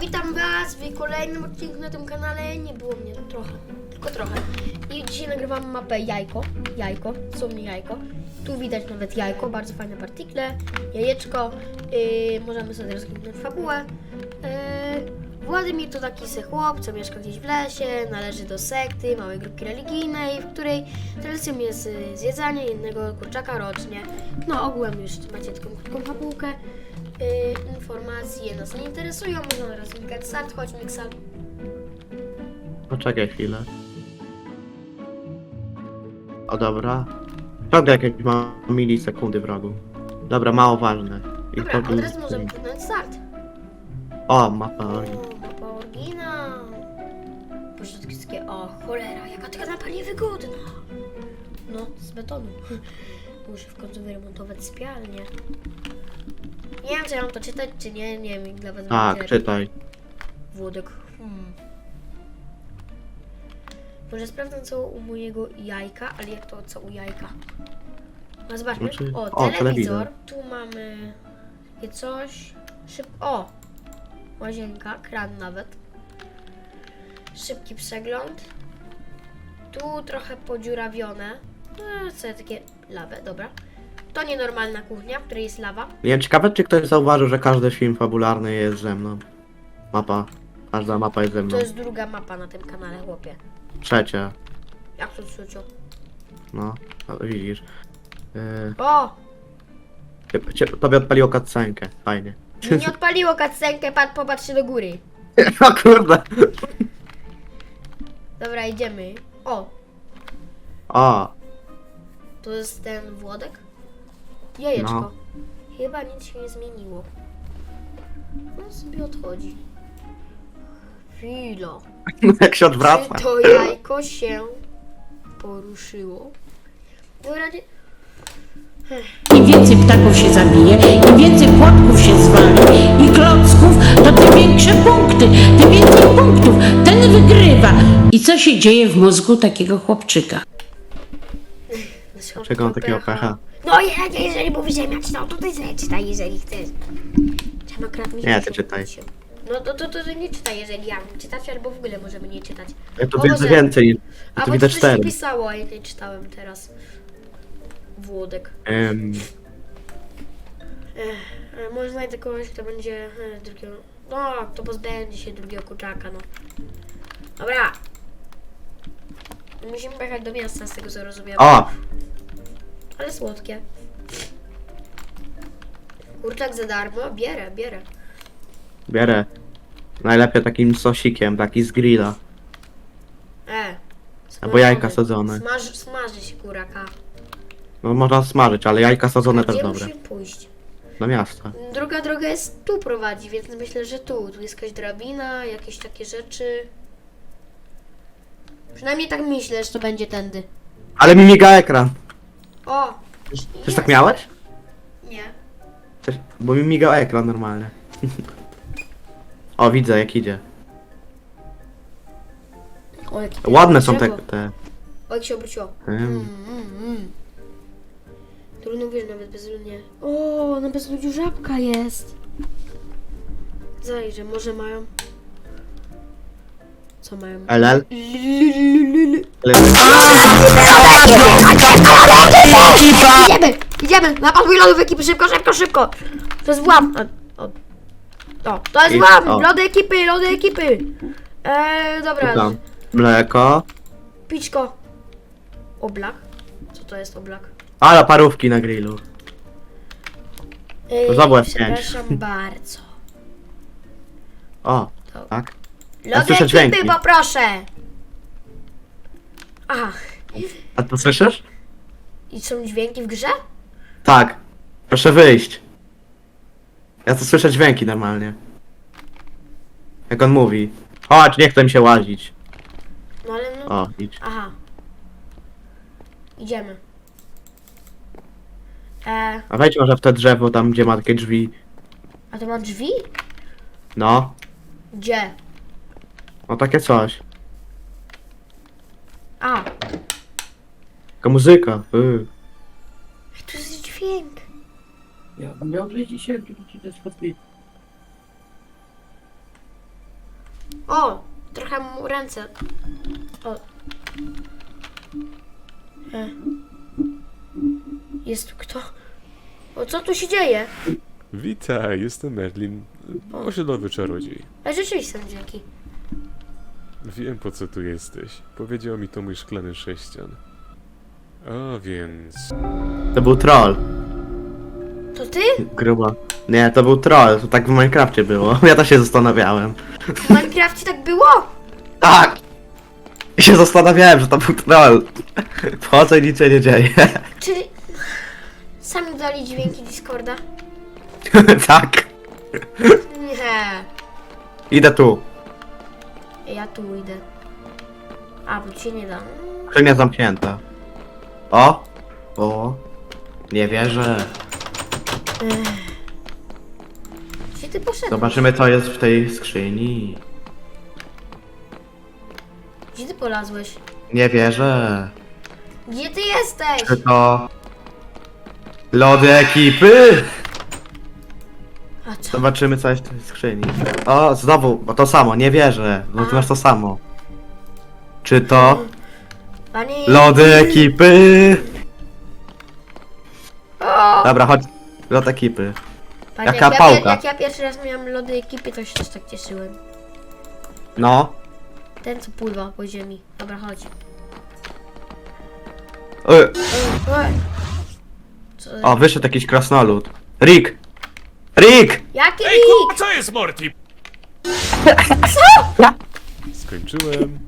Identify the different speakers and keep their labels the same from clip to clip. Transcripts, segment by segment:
Speaker 1: witam was w kolejnym odcinku na tym kanale. Nie było mnie trochę, tylko trochę. I dzisiaj nagrywam mapę jajko, sumnie jajko. Tu widać nawet jajko, bardzo fajne partikle, jajeczko. Możemy sobie rozkliknąć fabułę. Władimir to taki se chłop, co mieszka gdzieś w lesie, należy do sekty, małej grupki religijnej, w której tradycją jest zjedzanie jednego kurczaka rocznie. No ogółem już macie taką krótką fabułkę. Informacje nas nie interesują, można teraz klikać start, chodź Miksal.
Speaker 2: Poczekaj chwilę. O dobra. Ciągle jakieś ma milisekundy w rogu. Dobra, mało ważne. I
Speaker 1: Dobra, od razu możemy kliknąć start.
Speaker 2: O, mapa.
Speaker 1: O, mapa oryginał. Początki, o cholera, jaka taka mapa niewygodna. No, z betonu. Muszę w końcu wyremontować sypialnię. Nie wiem, czy ja mam to czytać, czy nie, nie wiem, dla was
Speaker 2: Tak,
Speaker 1: będzie
Speaker 2: czytaj.
Speaker 1: Włodek. Może sprawdzę co u mojego jajka, ale jak to co u jajka? No zobaczmy.
Speaker 2: Znaczy-
Speaker 1: O, telewizor.
Speaker 2: telewizor.
Speaker 1: Tu mamy takie coś. O! Łazienka, kran nawet. Szybki przegląd. Tu trochę podziurawione. No, co takie lawę, dobra. To nienormalna kuchnia, w której jest lawa.
Speaker 2: Nie wiem, ciekawe czy ktoś zauważył, że każdy film fabularny jest ze mną. Mapa. Każda mapa jest ze mną.
Speaker 1: To jest druga mapa na tym kanale, chłopie.
Speaker 2: Trzecia.
Speaker 1: Jak to trzecią?
Speaker 2: No, widzisz.
Speaker 1: O!
Speaker 2: Tobie odpaliło cutscenkę. Fajnie.
Speaker 1: Mi nie odpaliło cutscenkę, popatrzcie do góry.
Speaker 2: O kurde.
Speaker 1: Dobra, idziemy. O!
Speaker 2: O,
Speaker 1: To jest ten Włodek? Jajeczko.
Speaker 2: No.
Speaker 1: Chyba nic się nie zmieniło. On sobie odchodzi. Chwila.
Speaker 2: jak się odwraca.
Speaker 1: Czy to jajko się poruszyło? Dobra, nie...
Speaker 3: Im więcej ptaków się zabije, im więcej płotków się zwali i klocków, to tym większe punkty, tym więcej punktów. Ten wygrywa. I co się dzieje w mózgu takiego chłopczyka?
Speaker 2: Czego on takiego pecha?
Speaker 1: No jeżeli mówisz, że ja czytał, to ty sobie czytaj, jeżeli chcesz. Trzeba akurat mi
Speaker 2: Nie, ty czytaj.
Speaker 1: No to nie czytaj, jeżeli ja mam czytać, albo w ogóle możemy nie czytać.
Speaker 2: Ja tu
Speaker 1: O
Speaker 2: widzę
Speaker 1: Boże.
Speaker 2: więcej. Ja
Speaker 1: A
Speaker 2: tu
Speaker 1: bo
Speaker 2: widzę
Speaker 1: coś
Speaker 2: 4.
Speaker 1: mi pisało, a jak nie czytałem teraz. Włodek. Może znajdę kogoś, kto będzie drugiego... No, kto pozbędzie się drugiego kurczaka, no. Dobra. Musimy pojechać do miasta, z tego co rozumiem.
Speaker 2: O!
Speaker 1: Ale słodkie. Kurczak za darmo? Bierę.
Speaker 2: Bierę. Najlepiej takim sosikiem, taki z grilla. Albo jajka sadzone.
Speaker 1: Smaży się kuraka.
Speaker 2: No można smażyć, ale jajka sadzone też
Speaker 1: Gdzie
Speaker 2: dobre.
Speaker 1: musimy pójść?
Speaker 2: Do miasta.
Speaker 1: Druga droga jest tu prowadzi, więc myślę, że tu. Tu jest jakaś drabina, jakieś takie rzeczy. Przynajmniej tak myślę, że to będzie tędy.
Speaker 2: Ale mi miga ekran.
Speaker 1: O!
Speaker 2: Też tak miałeś?
Speaker 1: Nie.
Speaker 2: Bo mi migał ekran normalnie. O, widzę jak idzie.
Speaker 1: O, jakie
Speaker 2: Ładne są te...
Speaker 1: O, jak się obróciło. Trudno wiesz, nawet bezludnie. O, na bezludziu żabka jest. Zajrzę, może mają... Co mają?
Speaker 2: LL?
Speaker 1: Idziemy! Napasuj lodów ekipy, szybko! To jest włam! To jest
Speaker 2: I-
Speaker 1: włam!
Speaker 2: o.
Speaker 1: Lody ekipy! Dobra.
Speaker 2: Tam. Mleko.
Speaker 1: Piczko. Oblak? Co to jest oblak?
Speaker 2: Ale parówki na grillu. To za F5.
Speaker 1: Przepraszam bardzo.
Speaker 2: O,
Speaker 1: To-
Speaker 2: tak.
Speaker 1: Lody
Speaker 2: słyszę
Speaker 1: ekipy,
Speaker 2: dźwięki.
Speaker 1: poproszę! Ach,
Speaker 2: A to słyszysz?
Speaker 1: i są dźwięki w grze?
Speaker 2: Tak. Proszę wyjść. Ja to słyszę dźwięki normalnie. Jak on mówi. Chodź, nie chcę mi się łazić.
Speaker 1: No ale no...
Speaker 2: O, idź.
Speaker 1: Aha. Idziemy.
Speaker 2: A wejdź może w te drzewo tam, gdzie ma takie drzwi.
Speaker 1: A to ma drzwi?
Speaker 2: No.
Speaker 1: Gdzie?
Speaker 2: No takie coś.
Speaker 1: A,
Speaker 2: Taka muzyka.
Speaker 1: tu jest dźwięk.
Speaker 3: Ja miał dzisiaj, to jest
Speaker 1: O! Trochę mu ręce. O. Jest tu kto? O, co tu się dzieje?
Speaker 4: Witaj, jestem Merlin, osiedlowy czarodziej.
Speaker 1: A rzeczywiście są dzięki.
Speaker 4: Wiem, po co tu jesteś. Powiedział mi to mój szklany sześcian. A więc...
Speaker 2: To był troll.
Speaker 1: To ty?
Speaker 2: Grubo. Nie, to był troll, to tak w Minecrafcie było. Ja też się zastanawiałem.
Speaker 1: W Minecrafcie tak było?
Speaker 2: Tak! I się zastanawiałem, że to był troll. Wchodzę i nic się nie dzieje.
Speaker 1: Czyli... Sami dali dźwięki Discorda?
Speaker 2: Tak.
Speaker 1: Nie.
Speaker 2: Idę tu.
Speaker 1: Ja tu idę. A, bo ci się nie da.
Speaker 2: Skrzynia zamknięta. O! O! Nie wierzę.
Speaker 1: Gdzie ty poszedłeś?
Speaker 2: Zobaczymy, co jest w tej skrzyni.
Speaker 1: Gdzie ty polazłeś?
Speaker 2: Nie wierzę.
Speaker 1: Gdzie ty jesteś?
Speaker 2: Czy to... Lody ekipy?
Speaker 1: A co?
Speaker 2: Zobaczymy, co jest w tej skrzyni. O, znowu, bo to samo, nie wierzę. No ty masz to samo. Czy to...
Speaker 1: Panie...
Speaker 2: Lody ekipy?
Speaker 1: O!
Speaker 2: Dobra, chodź. Lody ekipy.
Speaker 1: Panie,
Speaker 2: jaka
Speaker 1: jak ja,
Speaker 2: pałka.
Speaker 1: jak ja pierwszy raz miałem lody ekipy, to się też tak cieszyłem.
Speaker 2: No.
Speaker 1: Ten, co pływa po ziemi. Dobra, chodź.
Speaker 2: Ej,
Speaker 1: Co?
Speaker 2: o, wyszedł jakiś krasnolud. Rick! Rick!
Speaker 1: Jaki
Speaker 5: Ej,
Speaker 1: Rick?
Speaker 5: kurwa, co jest, Morty?
Speaker 4: Skończyłem.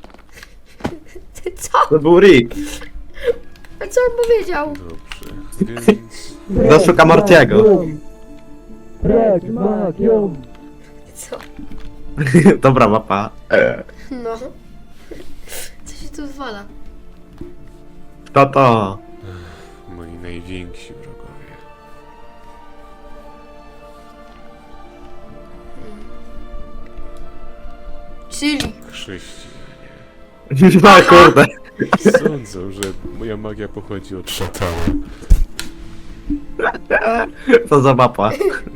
Speaker 1: Co?
Speaker 2: To był Rick.
Speaker 1: A co on powiedział?
Speaker 4: Dobrze, więc...
Speaker 2: Doszuka Mortiego.
Speaker 1: Co?
Speaker 2: Dobra mapa.
Speaker 1: No. Co się tu zwala?
Speaker 2: Kto to?
Speaker 4: Moi najwięksi wrogowie.
Speaker 1: Czyli.
Speaker 4: Chrześcijanie.
Speaker 2: No kurde.
Speaker 4: Sądzą, że moja magia pochodzi od szatana.
Speaker 2: Co za mapa?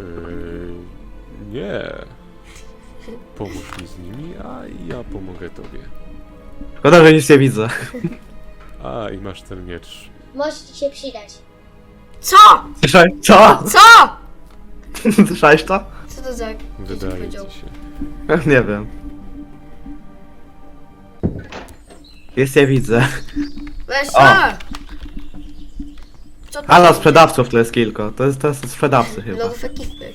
Speaker 4: Nie. Pomóż mi z nimi, a ja pomogę tobie.
Speaker 2: Szkoda, że nic nie widzę.
Speaker 4: A, i masz ten miecz.
Speaker 6: Może ci się przydać.
Speaker 1: Co?
Speaker 2: Słyszałeś? Co?
Speaker 1: Co?
Speaker 2: Słyszałeś to?
Speaker 1: Co to za...
Speaker 4: Wydaje
Speaker 1: powiedział?
Speaker 4: ci się.
Speaker 2: Nie wiem. Jest nie widzę.
Speaker 1: Weź
Speaker 2: O.
Speaker 1: a! Co to
Speaker 2: Halo,
Speaker 1: za-
Speaker 2: sprzedawców to jest kilko. To jest sprzedawcy chyba.
Speaker 1: Lodów ekipy.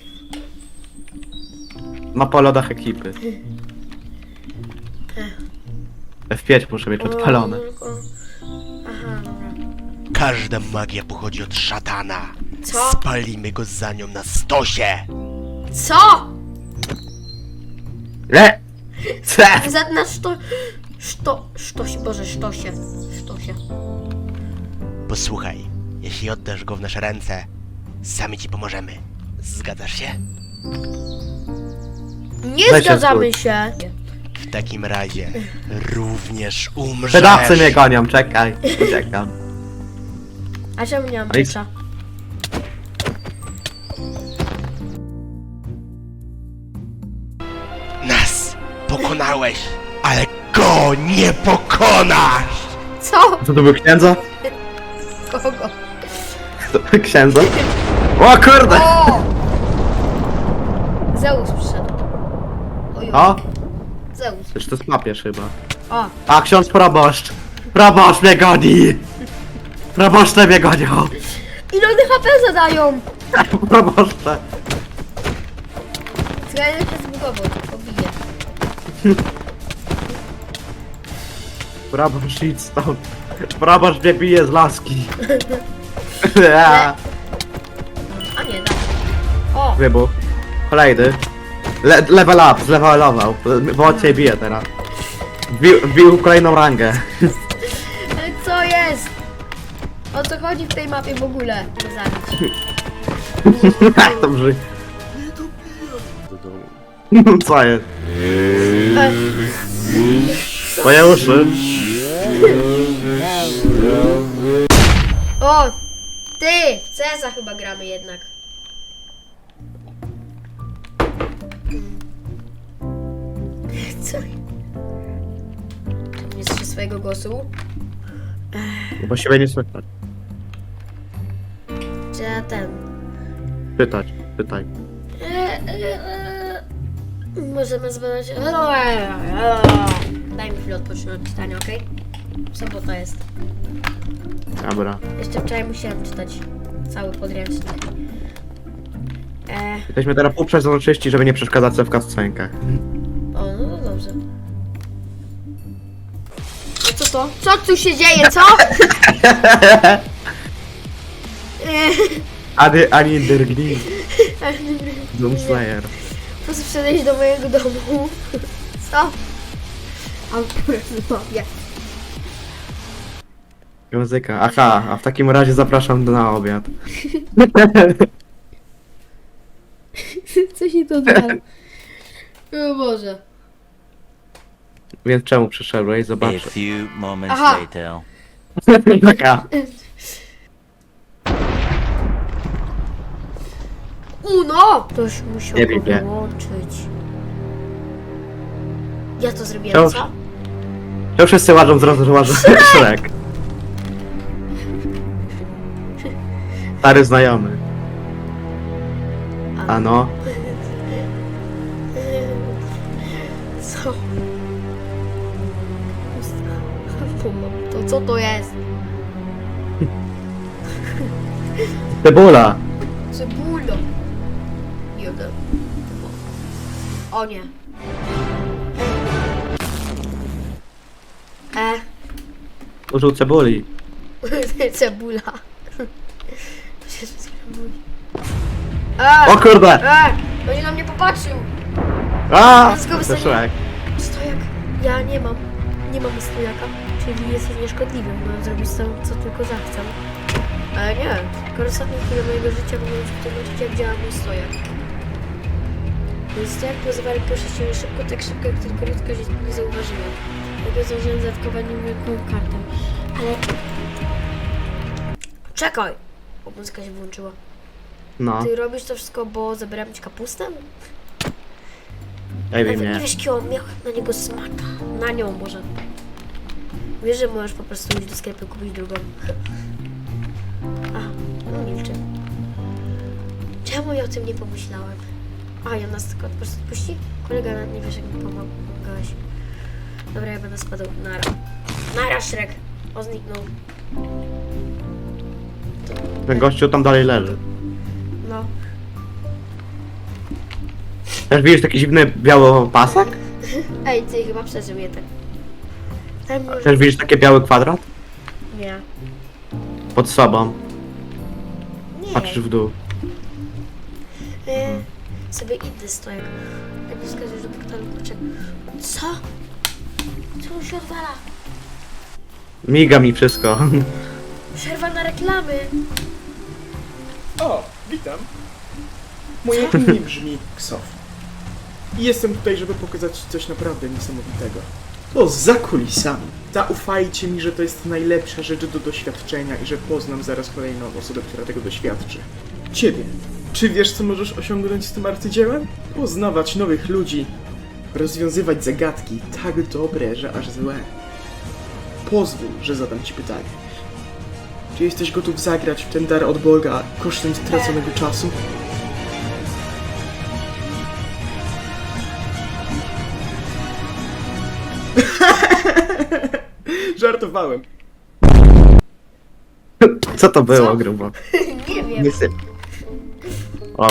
Speaker 2: Mapa o lodach ekipy. F5 muszę mieć odpalone.
Speaker 1: Aha, dobra.
Speaker 5: Każda magia pochodzi od szatana.
Speaker 1: Co?
Speaker 5: Spalimy go za nią na stosie.
Speaker 1: Co?
Speaker 2: Le! Ce!
Speaker 1: Za na sztosie, Boże, sztosie. Sztosie.
Speaker 5: Posłuchaj, jeśli oddasz go w nasze ręce, sami ci pomożemy. Zgadzasz się?
Speaker 1: Nie
Speaker 2: Weź się
Speaker 1: zgadzamy się.
Speaker 5: W takim razie również umrzesz.
Speaker 2: Sprzedawcy mnie gonią, czekaj. Uciekam.
Speaker 1: A czemu nie mam
Speaker 2: Ale-
Speaker 1: miecza?
Speaker 5: Nas pokonałeś, ale go nie pokonasz!
Speaker 1: Co?
Speaker 2: Co to był księdza?
Speaker 1: Kogo?
Speaker 2: Księdza? O kurde!
Speaker 1: O! Zeus przyszedł. Oj,
Speaker 2: O!
Speaker 1: Zeus.
Speaker 2: Przecież to jest papież chyba.
Speaker 1: O,
Speaker 2: A, ksiądz proboszcz! Proboszcz mnie goni! Proboszcze mnie gonią!
Speaker 1: ile one HP zadają?
Speaker 2: Proboszcze!
Speaker 1: Zgadłem się zbugował, to pobiję.
Speaker 2: Proboszcz idź stąd! Proboszcz mnie bije z laski!
Speaker 1: A nie, da. O,
Speaker 2: Wybuch. Kolejny. Level up, zlevelował. Bo od ciebie bije teraz. Wbił kolejną rangę.
Speaker 1: ale co jest? O co chodzi w tej mapie w ogóle? Nie zabić.
Speaker 2: Jak to brzmi?
Speaker 4: Do domu.
Speaker 2: Co jest?
Speaker 1: E,
Speaker 2: Moje uszy.
Speaker 1: O! Ty! W CS-a chyba gramy jednak. Co? Nie słyszę swojego głosu.
Speaker 2: Bo siebie nie słychać.
Speaker 1: Czy ja ten...
Speaker 2: Pytaj.
Speaker 1: Możemy zbadać... Daj mi chwilę odpocząć od czytania, okej? Sobota jest.
Speaker 2: Dobra.
Speaker 1: Jeszcze wczoraj musiałem czytać cały podręcznik.
Speaker 2: Jesteśmy teraz uprzedzonyczyści, żeby nie przeszkadzać sobie w cutscenkach.
Speaker 1: O, no to dobrze. A co to? Co tu się dzieje, co?
Speaker 2: Ani Dirgni. Doomslayer.
Speaker 1: Po prostu wszedłeś do mojego domu. Co? Akurat mówię.
Speaker 2: Muzyka. Aha, a w takim razie zapraszam na obiad.
Speaker 1: Co się to odwala? O Boże.
Speaker 2: Więc czemu przyszedłeś?
Speaker 6: A
Speaker 2: Zobacz.
Speaker 6: few moments
Speaker 1: Aha.
Speaker 6: later.
Speaker 2: Taka.
Speaker 1: Uno! Ktoś musiał
Speaker 2: Nie
Speaker 1: go
Speaker 2: wiem.
Speaker 1: wyłączyć. Ja to zrobiłem,
Speaker 2: Czemu-
Speaker 1: co?
Speaker 2: To wszyscy łażą z rozłożą Shrek. Stary znajomy. A no.
Speaker 1: Co? To co to jest?
Speaker 2: Cebula.
Speaker 1: Cebulo. Jeden. O nie.
Speaker 2: Użył cebuli.
Speaker 1: Cebula.
Speaker 2: O kurde!
Speaker 1: Będzie na mnie popatrzył.
Speaker 2: A!
Speaker 1: Let's go,
Speaker 2: To
Speaker 1: wystanie.
Speaker 2: Shrek.
Speaker 1: Stojak. Ja nie mam stojaka. Czyli jesteś nieszkodliwym. Mogę zrobić z tym, co tylko zachcę. Ale nie. Skoro ostatnie chwile mojego życia mogą być w tym momencie, jak działa mój stojak. Mój stojak pozwala poruszać się szybko, tak szybko, jak tylko ludzka się nie zauważyła. Dlatego zdążyłem zaatakować niewielką kartę. Ale... Czekaj! O, muzyka się włączyła.
Speaker 2: No.
Speaker 1: Ty robisz to wszystko, bo zabrałem ci kapustę?
Speaker 2: Ej,
Speaker 1: Nawet
Speaker 2: nie.
Speaker 1: nie wiesz, jaki on miał na niego smaka. Na nią może. Wiesz, że możesz po prostu iść do sklepu i kupić drugą. A, no milczy. Czemu ja o tym nie pomyślałem? A, ja nas tylko po prostu odpuści? Kolega nawet nie wiesz, jak mi pomagałeś. Dobra, ja będę spadał. Nara. Nara, Shrek. O, zniknął.
Speaker 2: Ten gościu tam dalej leży.
Speaker 1: No.
Speaker 2: Też widzisz taki dziwny biały pasek?
Speaker 1: Ej, ty chyba przeżył je tak. Tam może...
Speaker 2: Też widzisz taki biały kwadrat?
Speaker 1: Nie.
Speaker 2: Pod sobą.
Speaker 1: Nie.
Speaker 2: Patrzysz w dół.
Speaker 1: Sobie inny stojak. Jak nie wskazujesz do portalu, kurczę. Co? Co się odwala?
Speaker 2: Miga mi wszystko.
Speaker 1: Przerwa na reklamy.
Speaker 7: O, witam. Moje imię brzmi Ksof. I jestem tutaj, żeby pokazać ci coś naprawdę niesamowitego. To za kulisami. Zaufajcie mi, że to jest najlepsza rzecz do doświadczenia i że poznam zaraz kolejną osobę, która tego doświadczy. Ciebie. Czy wiesz, co możesz osiągnąć z tym arcydziełem? Poznawać nowych ludzi, rozwiązywać zagadki tak dobre, że aż złe. Pozwól, że zadam ci pytanie. Czy jesteś gotów zagrać w ten dar od Boga kosztem straconego czasu? Żartowałem.
Speaker 2: Co to było,
Speaker 1: Co?
Speaker 2: grubo?
Speaker 1: Nie wiem.
Speaker 2: Nie syp. O,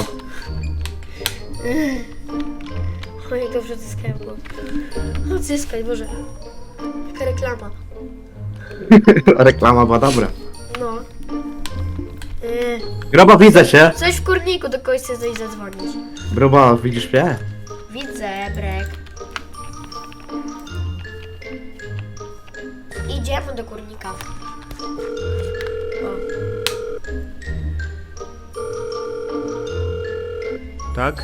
Speaker 1: Oj, dobrze odzyskałem go. Odzyskaj, Boże. Jaka reklama.
Speaker 2: reklama była dobra.
Speaker 1: No.
Speaker 2: Grubo, widzę cię.
Speaker 1: Coś w kurniku, do kogoś chcesz coś zadzwonić.
Speaker 2: Grubo, widzisz mnie?
Speaker 1: Widzę, Brek. Idziemy do kurnika. O.
Speaker 4: Tak?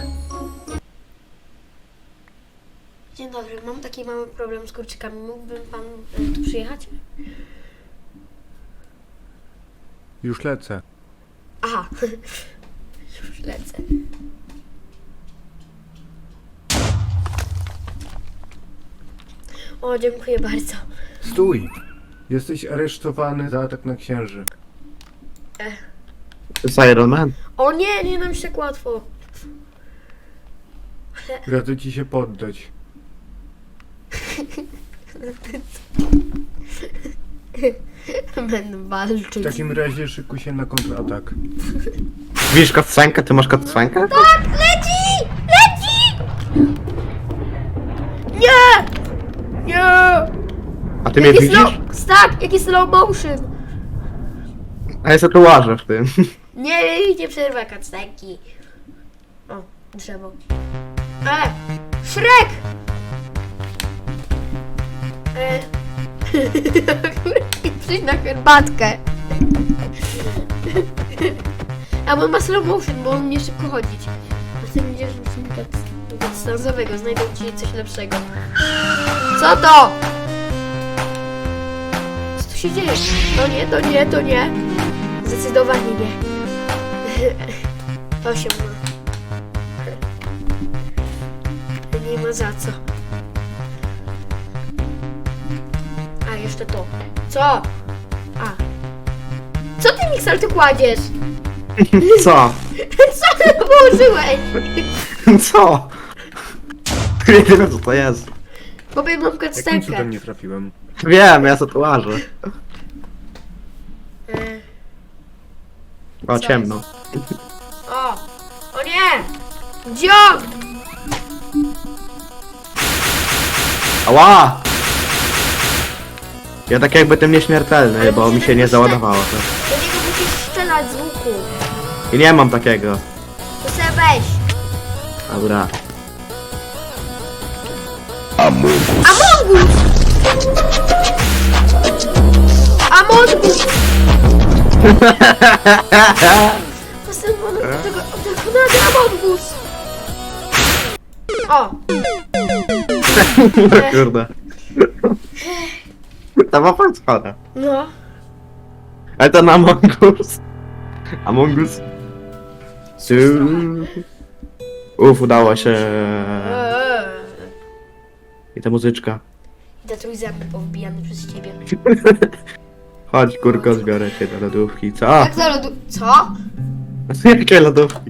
Speaker 1: Dzień dobry, mam taki mały problem z kurczykami. Mógłby pan tu przyjechać?
Speaker 4: Już lecę.
Speaker 1: Aha. Już lecę. O, dziękuję bardzo.
Speaker 6: Stój! Jesteś aresztowany za atak na księży.
Speaker 2: To jest Iron Man.
Speaker 1: O nie, nie nam się tak łatwo.
Speaker 6: Radzę ci się poddać.
Speaker 1: Będę walczyć.
Speaker 6: W takim razie szykuj się na kontratak.
Speaker 2: Widzisz kotsenkę? Ty masz kotsenkę?
Speaker 1: Tak, leci! Leci! Nie! Nie!
Speaker 2: A ty mnie widzisz?
Speaker 1: Tak, jaki slow motion.
Speaker 2: A ja sobie tu łażę w tym.
Speaker 1: Nie przerwę kacneki. O, drzewo. Shrek! Przyjdź na herbatkę. A on ma slow motion, bo on umie szybko chodzić. A ty będziesz stanzowego, znajdę ci coś lepszego. Co to? Co tu się dzieje? To nie, to nie, to nie. Zdecydowanie nie. To się ma. Nie ma za co. A, jeszcze to. Co? A. Co ty, Mixer, tu kładziesz?
Speaker 2: Co?
Speaker 1: Co ty położyłeś?
Speaker 2: Co? Nie wiem co to jest.
Speaker 1: Bo mam
Speaker 6: Jakim
Speaker 1: kactenkę.
Speaker 6: cudem nie trafiłem?
Speaker 2: Wiem, ja sobie tu łażę. O,
Speaker 1: Co
Speaker 2: ciemno.
Speaker 1: O! O nie! Dziok!
Speaker 2: Ała! Ja tak jakby tym nieśmiertelny,
Speaker 1: Ale
Speaker 2: bo mi
Speaker 1: musisz
Speaker 2: się nie
Speaker 1: jakoś
Speaker 2: załadowało to.
Speaker 1: Do niego musisz strzelać z łuku.
Speaker 2: I nie mam takiego.
Speaker 1: To sobie weź.
Speaker 2: Dobra.
Speaker 1: Amongus! Amongus! Następny tego Amongus! O!
Speaker 2: Kurde. Ta mapa jest chora.
Speaker 1: No.
Speaker 2: Ale to na Amongus. Amongus. Udało się. I ta muzyczka.
Speaker 1: Idę trój zęby powbijany przez ciebie.
Speaker 2: Chodź kurko, zbiorę cię do lodówki. Co?
Speaker 1: Jak za lodu... Co?
Speaker 2: Jakie lodówki?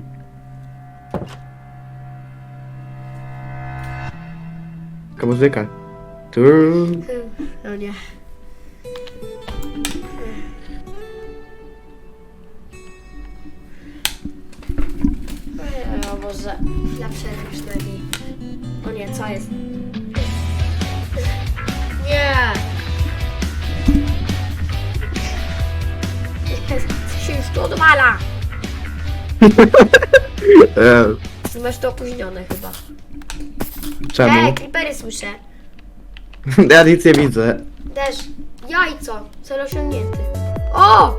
Speaker 2: Taka muzyka. Tu.
Speaker 1: No nie. O Boże, na przerwę przynajmniej. O nie, co jest? Nie! Co się już tu odwala? Masz to opóźnione chyba.
Speaker 2: Czemu?
Speaker 1: Creepery słyszę.
Speaker 2: Ja nic nie widzę.
Speaker 1: Też jajco, cel osiągnięty. O!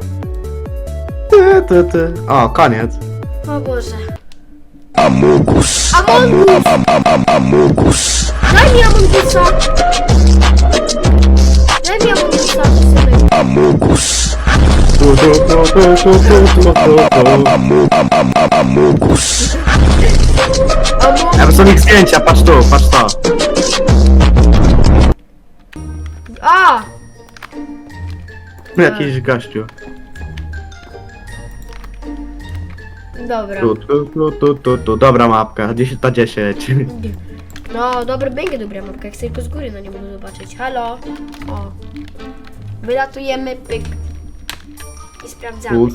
Speaker 2: O, koniec.
Speaker 1: O Boże.
Speaker 5: Amogus.
Speaker 1: Amongus! Daj mi Amongusa! Daj mi Amongusa, synek.
Speaker 5: Amogus. Amogus.
Speaker 2: Ja są ich zdjęcia, patrz tu, patrz to.
Speaker 1: A!
Speaker 2: Jakiś gościu.
Speaker 1: Dobra.
Speaker 2: Tu. Dobra mapka, 10 na 10.
Speaker 1: No, będzie dobra mapka, jak chcę tylko z góry na nie mogę zobaczyć. Halo? O. Wylatujemy, pyk. I sprawdzamy.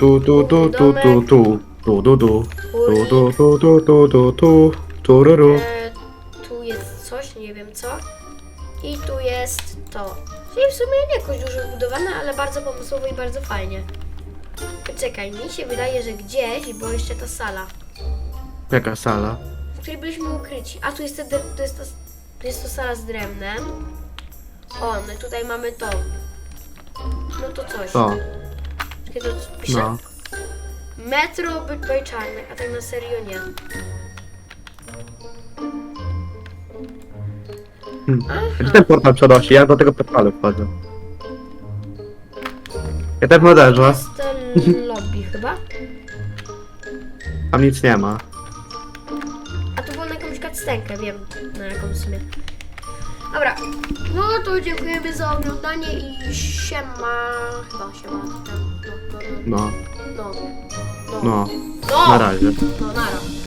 Speaker 1: Tu jest coś, nie wiem co. I tu jest to. Czyli w sumie nie jakoś dużo zbudowane, ale bardzo pomysłowo i bardzo fajnie. Czekaj, mi się wydaje, że gdzieś była jeszcze ta sala,
Speaker 2: Jaka sala?
Speaker 1: w której byliśmy ukryci. A tu jest, tu jest to sala z drewnem. O, no i tutaj mamy to. No to coś.
Speaker 2: To,
Speaker 1: Czekaj, to pisze?
Speaker 2: no.
Speaker 1: Metro Bytbaj Czarnek, a tak na serio nie.
Speaker 2: Gdzie ten portal przenosi? Ja do tego portalu wchodzę. Ja tak modelze.
Speaker 1: jest ten lobby chyba.
Speaker 2: Tam nic nie ma.
Speaker 1: A tu było na jakąś cutscenkę, wiem na jaką w sumie. Dobra, no to dziękujemy za oglądanie i siema. Chyba siema.
Speaker 2: No,
Speaker 1: No.
Speaker 2: no,
Speaker 1: No.
Speaker 2: na razie.
Speaker 1: No, nara.